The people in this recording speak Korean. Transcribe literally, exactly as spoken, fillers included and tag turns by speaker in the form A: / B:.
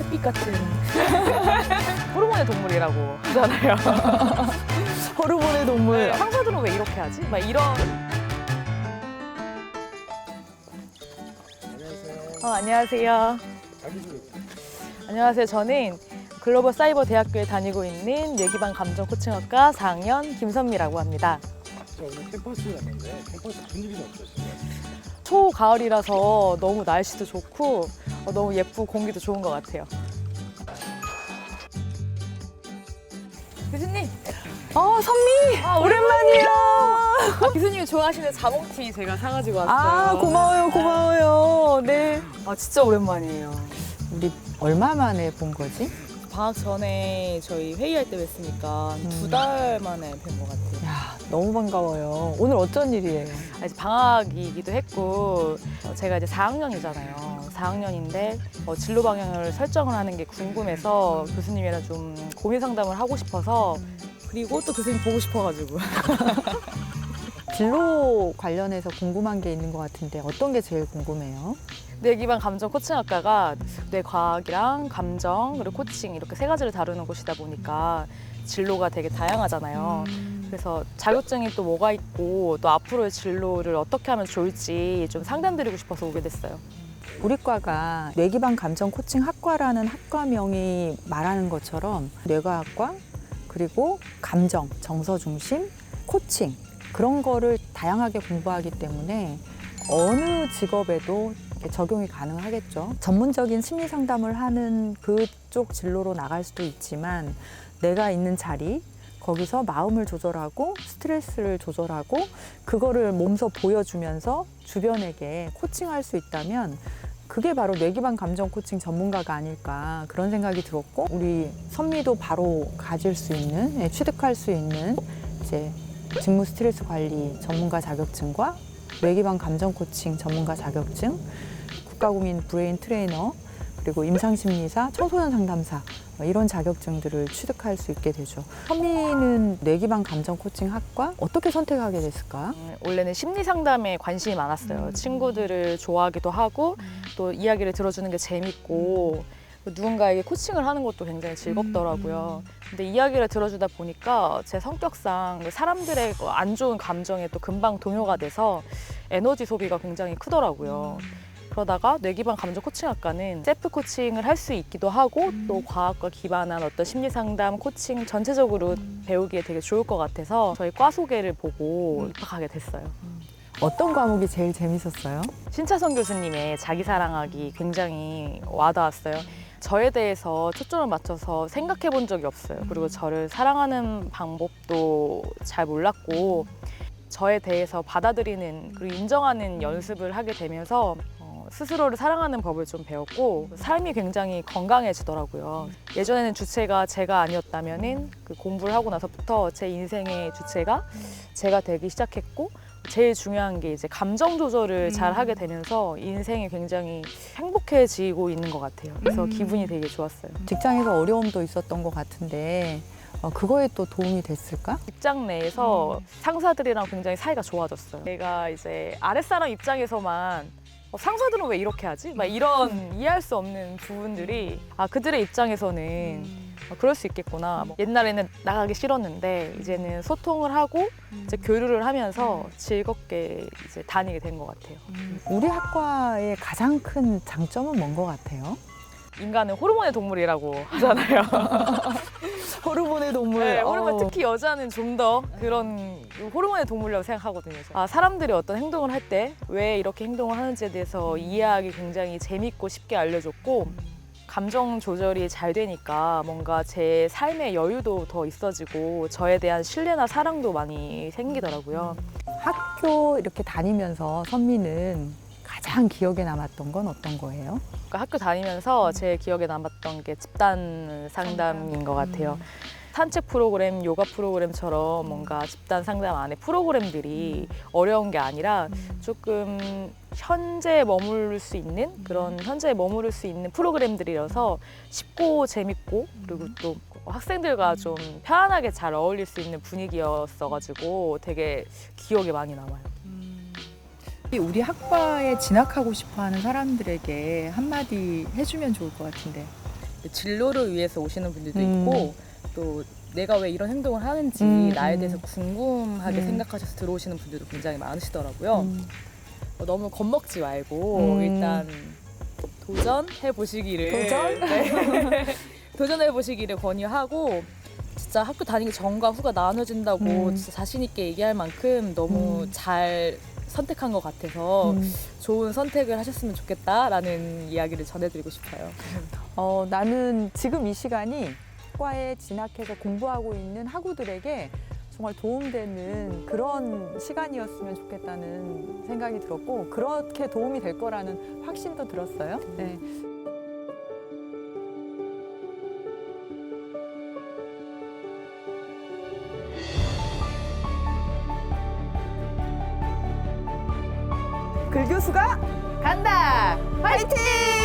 A: 햇빛 같은 호르몬의 동물이라고 하잖아요.
B: 호르몬의 동물.
A: 상사들은 왜 이렇게 하지? 막 이런.
C: 안녕하세요.
A: 어, 안녕하세요.
C: 자기소개.
A: 안녕하세요. 저는 글로벌 사이버 대학교에 다니고 있는 뇌기반 감정 코칭학과 사 학년 김선미라고 합니다.
C: 저 오늘 캠퍼스 왔는데 캠퍼스 분위기는 어떠신가요?
A: 초가을이라서 너무 날씨도 좋고 어, 너무 예쁘고 공기도 좋은 것 같아요. 교수님.
B: 어, 선미!
A: 아, 오랜만이에요. 교수님이 좋아하시는 자몽티 제가 사가지고 왔어요.
B: 아, 고마워요, 고마워요. 네.
A: 아, 진짜 오랜만이에요.
B: 우리 얼마 만에 본 거지?
A: 방학 전에 저희 회의할 때 뵀으니까
B: 음.
A: 두 달 만에 뵌 것 같아요.
B: 야, 너무 반가워요. 오늘 어쩐 일이에요?
A: 아, 이제 방학이기도 했고 어, 제가 이제 사 학년이잖아요. 사 학년인데 어, 진로 방향을 설정을 하는 게 궁금해서 교수님이랑 좀 고민 상담을 하고 싶어서 그리고 또 교수님 보고 싶어가지고
B: 진로 관련해서 궁금한 게 있는 것 같은데 어떤 게 제일 궁금해요?
A: 뇌기반 감정 코칭학과가 뇌과학이랑 감정 그리고 코칭 이렇게 세 가지를 다루는 곳이다 보니까 진로가 되게 다양하잖아요. 그래서 자격증이 또 뭐가 있고 또 앞으로의 진로를 어떻게 하면 좋을지 좀 상담드리고 싶어서 오게 됐어요.
B: 우리 과가 뇌기반 감정 코칭 학과라는 학과명이 말하는 것처럼 뇌과학과 그리고 감정, 정서 중심, 코칭 그런 거를 다양하게 공부하기 때문에 어느 직업에도 적용이 가능하겠죠. 전문적인 심리 상담을 하는 그쪽 진로로 나갈 수도 있지만 내가 있는 자리 거기서 마음을 조절하고 스트레스를 조절하고 그거를 몸소 보여주면서 주변에게 코칭할 수 있다면 그게 바로 뇌기반 감정 코칭 전문가가 아닐까 그런 생각이 들었고 우리 선미도 바로 가질 수 있는 예, 취득할 수 있는 이제 직무 스트레스 관리 전문가 자격증과 뇌기반 감정 코칭 전문가 자격증, 국가공인 브레인 트레이너, 그리고 임상심리사, 청소년 상담사 이런 자격증들을 취득할 수 있게 되죠. 선미는 뇌기반 감정 코칭 학과 어떻게 선택하게 됐을까?
A: 음, 원래는 심리 상담에 관심이 많았어요. 친구들을 좋아하기도 하고 또 이야기를 들어주는 게 재밌고 누군가에게 코칭을 하는 것도 굉장히 즐겁더라고요. 근데 이야기를 들어주다 보니까 제 성격상 사람들의 안 좋은 감정에 또 금방 동요가 돼서 에너지 소비가 굉장히 크더라고요. 그러다가 뇌기반 감정 코칭학과는 셀프 코칭을 할 수 있기도 하고 또 과학과 기반한 어떤 심리 상담, 코칭 전체적으로 배우기에 되게 좋을 것 같아서 저희 과 소개를 보고 입학하게 됐어요.
B: 어떤 과목이 제일 재밌었어요?
A: 신차선 교수님의 자기 사랑하기 굉장히 와닿았어요. 저에 대해서 초점을 맞춰서 생각해 본 적이 없어요. 그리고 저를 사랑하는 방법도 잘 몰랐고 저에 대해서 받아들이는 그리고 인정하는 연습을 하게 되면서 어, 스스로를 사랑하는 법을 좀 배웠고 삶이 굉장히 건강해지더라고요. 예전에는 주체가 제가 아니었다면은 그 공부를 하고 나서부터 제 인생의 주체가 제가 되기 시작했고 제일 중요한 게 이제 감정 조절을 잘 하게 되면서 인생이 굉장히 행복해지고 있는 것 같아요. 그래서 기분이 되게 좋았어요.
B: 직장에서 어려움도 있었던 것 같은데 어, 그거에 또 도움이 됐을까?
A: 직장 내에서 상사들이랑 굉장히 사이가 좋아졌어요. 내가 이제 아랫사람 입장에서만 어, 상사들은 왜 이렇게 하지? 막 이런 이해할 수 없는 부분들이 아 그들의 입장에서는 어, 그럴 수 있겠구나. 뭐 옛날에는 나가기 싫었는데 이제는 소통을 하고 이제 교류를 하면서 즐겁게 이제 다니게 된 것 같아요.
B: 우리 학과의 가장 큰 장점은 뭔 것 같아요?
A: 인간은 호르몬의 동물이라고 하잖아요.
B: 호르몬의 동물.
A: 네, 호르몬
B: 어.
A: 특히 여자는 좀 더 그런 호르몬의 동물이라고 생각하거든요. 아, 사람들이 어떤 행동을 할 때 왜 이렇게 행동을 하는지에 대해서 이해하기 굉장히 재밌고 쉽게 알려줬고 감정 조절이 잘 되니까 뭔가 제 삶의 여유도 더 있어지고 저에 대한 신뢰나 사랑도 많이 생기더라고요.
B: 학교 이렇게 다니면서 선미는 가장 기억에 남았던 건 어떤 거예요?
A: 그러니까 학교 다니면서 제 기억에 남았던 게 집단 상담인 것 같아요. 산책 프로그램, 요가 프로그램처럼 뭔가 집단 상담 안에 프로그램들이 어려운 게 아니라 조금 현재에 머무를 수 있는 그런 현재에 머무를 수 있는 프로그램들이라서 쉽고 재밌고 그리고 또 학생들과 좀 편안하게 잘 어울릴 수 있는 분위기였어가지고 되게 기억에 많이 남아요.
D: 우리 학과에 진학하고 싶어하는 사람들에게 한마디 해주면 좋을 것 같은데.
A: 진로를 위해서 오시는 분들도
B: 음.
A: 있고 또 내가 왜 이런 행동을 하는지
B: 음,
A: 나에
B: 음.
A: 대해서 궁금하게
B: 음.
A: 생각하셔서 들어오시는 분들도 굉장히 많으시더라고요.
B: 음.
A: 어, 너무 겁먹지 말고
B: 음.
A: 일단 도전해 보시기를
B: 도전?
A: 네. 도전해 보시기를 권유하고 진짜 학교 다니기 전과 후가 나눠진다고
B: 음.
A: 진짜 자신 있게 얘기할 만큼 너무
B: 음.
A: 잘 선택한 것 같아서
B: 음.
A: 좋은 선택을 하셨으면 좋겠다라는 이야기를 전해드리고 싶어요.
B: 어, 나는 지금 이 시간이 과에 진학해서 공부하고 있는 학우들에게 정말 도움되는 그런 시간이었으면 좋겠다는 생각이 들었고 그렇게 도움이 될 거라는 확신도 들었어요. 네. 글 교수가
A: 간다!
B: 화이팅!